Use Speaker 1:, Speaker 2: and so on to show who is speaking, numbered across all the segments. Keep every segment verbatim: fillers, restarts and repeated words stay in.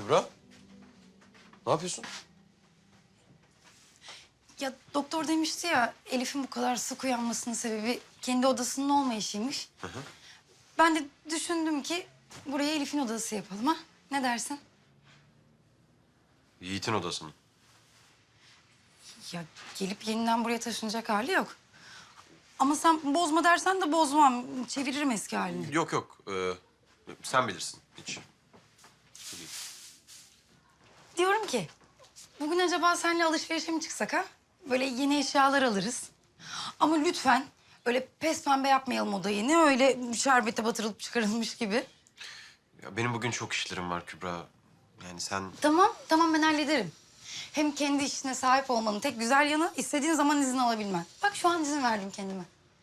Speaker 1: Kübra, ne yapıyorsun?
Speaker 2: Ya doktor demişti ya Elif'in bu kadar sık uyanmasının sebebi kendi odasının olmayışıymış.
Speaker 1: Hı hı.
Speaker 2: Ben de düşündüm ki buraya Elif'in odası yapalım ha. Ne dersin?
Speaker 1: Yiğit'in odasını.
Speaker 2: Ya gelip yeniden buraya taşınacak hali yok. Ama sen bozma dersen de bozmam. Çeviririm eski halini.
Speaker 1: Yok yok, ee, sen bilirsin hiç. Değil.
Speaker 2: Diyorum ki bugün acaba seninle alışverişe mi çıksak ha? Böyle yeni eşyalar alırız. Ama lütfen öyle pes pembe yapmayalım odayı. Ne öyle şerbete batırılıp çıkarılmış gibi.
Speaker 1: Ya benim bugün çok işlerim var Kübra. Yani sen...
Speaker 2: Tamam, tamam ben hallederim. Hem kendi işine sahip olmanın tek güzel yanı istediğin zaman izin alabilmen. Bak şu an izin verdim kendime.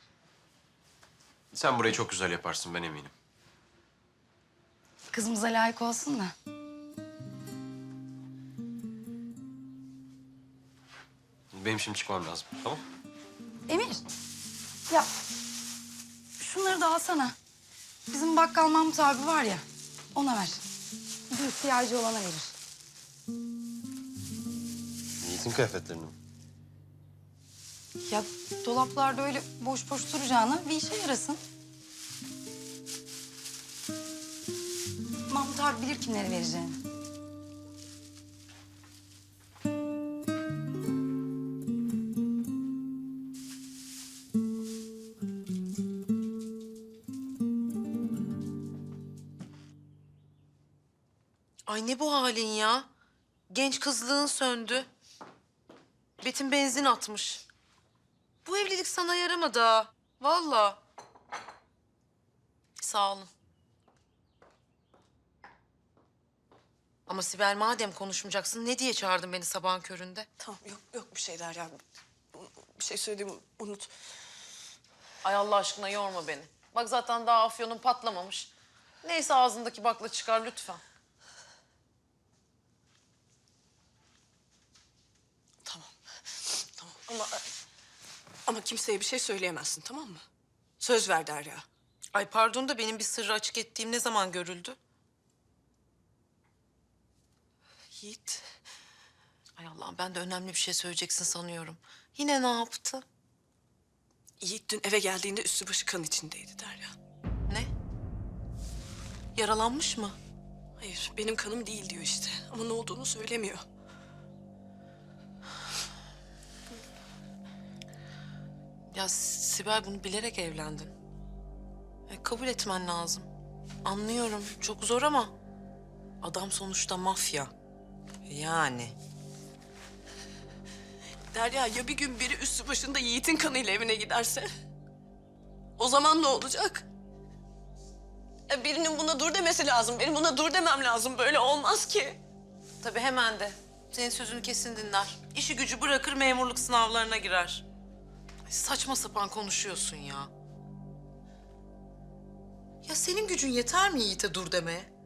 Speaker 1: Sen burayı çok güzel yaparsın, ben eminim.
Speaker 2: Kızımıza layık olsun da.
Speaker 1: Benim şimdi çıkmam lazım, tamam?
Speaker 2: Emir, ya şunları da alsana. Bizim bakkal Mahmut abi var ya, ona ver. Bir ihtiyacı olana verir.
Speaker 1: Yiğit'in kıyafetlerini mi?
Speaker 2: Ya dolaplarda öyle boş boş duracağına bir işe yarasın. Mahmut abi bilir kimlere vereceğini.
Speaker 3: Ay ne bu halin ya? Genç kızlığın söndü. Betin benzin atmış. Bu evlilik sana yaramadı ha. Vallahi. Sağ olun. Ama Sibel madem konuşmayacaksın ne diye çağırdın beni sabahın köründe?
Speaker 4: Tamam yok yok bir şeyler ya. Bir şey söylediğimi unut.
Speaker 3: Ay Allah aşkına yorma beni. Bak zaten daha afyonun patlamamış. Neyse ağzındaki bakla çıkar lütfen.
Speaker 4: Tamam. Tamam ama ama kimseye bir şey söyleyemezsin tamam mı? Söz ver Derya.
Speaker 3: Ay pardon da benim bir sırrı açık ettiğim ne zaman görüldü?
Speaker 4: Yiğit.
Speaker 3: Ay Allah'ım ben de önemli bir şey söyleyeceksin sanıyorum. Yine ne yaptı?
Speaker 4: Yiğit dün eve geldiğinde üstü başı kan içindeydi Derya.
Speaker 3: Ne? Yaralanmış mı?
Speaker 4: Hayır benim kanım değil diyor işte. Ama ne olduğunu söylemiyor.
Speaker 3: Ya Sibel bunu bilerek evlendin. E, kabul etmen lazım. Anlıyorum çok zor ama adam sonuçta mafya. Yani.
Speaker 4: Derya ya bir gün biri üstü başında Yiğit'in kanıyla evine giderse? O zaman ne olacak? Ya birinin buna dur demesi lazım. Benim buna dur demem lazım. Böyle olmaz ki.
Speaker 3: Tabii hemen de. Senin sözünü kesin dinler. İşi gücü bırakır memurluk sınavlarına girer. Ay, saçma sapan konuşuyorsun ya. Ya senin gücün yeter mi Yiğit'e dur demeye?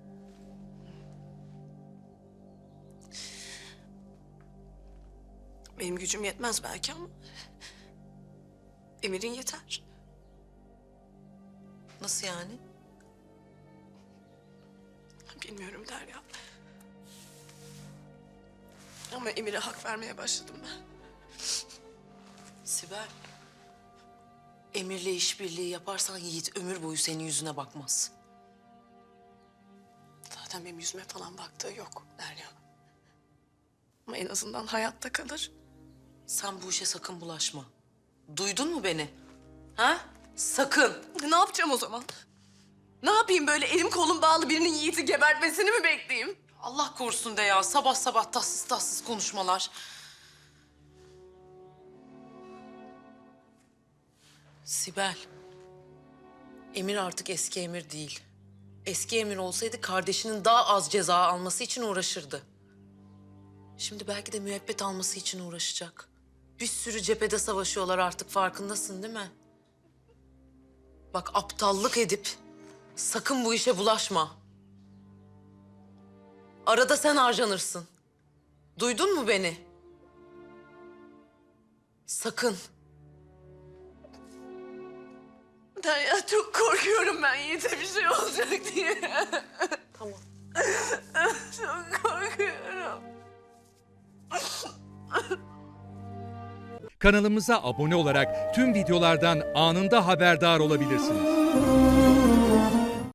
Speaker 4: Benim gücüm yetmez belki ama... Emir'in yeter.
Speaker 3: Nasıl yani?
Speaker 4: Bilmiyorum Derya. Ama Emir'e hak vermeye başladım ben.
Speaker 3: Sibel. Emir'le işbirliği yaparsan Yiğit ömür boyu senin yüzüne bakmaz.
Speaker 4: Zaten benim yüzüme falan baktığı yok Derya. Ama en azından hayatta kalır.
Speaker 3: Sen bu işe sakın bulaşma. Duydun mu beni? Ha? Sakın.
Speaker 4: Ne yapacağım o zaman? Ne yapayım böyle elim kolum bağlı birinin Yiğit'i gebertmesini mi bekleyeyim?
Speaker 3: Allah korusun de ya. Sabah sabah tatsız tatsız konuşmalar. Sibel. Emir artık eski Emir değil. Eski Emir olsaydı kardeşinin daha az ceza alması için uğraşırdı. Şimdi belki de müebbet alması için uğraşacak. Bir sürü cephede savaşıyorlar artık farkındasın değil mi? Bak aptallık edip sakın bu işe bulaşma. Arada sen harcanırsın. Duydun mu beni? Sakın.
Speaker 4: Derya çok korkuyorum ben Yiğit'e bir şey olacak diye.
Speaker 3: Tamam.
Speaker 4: Çok korkuyorum.
Speaker 5: Kanalımıza abone olarak tüm videolardan anında haberdar olabilirsiniz.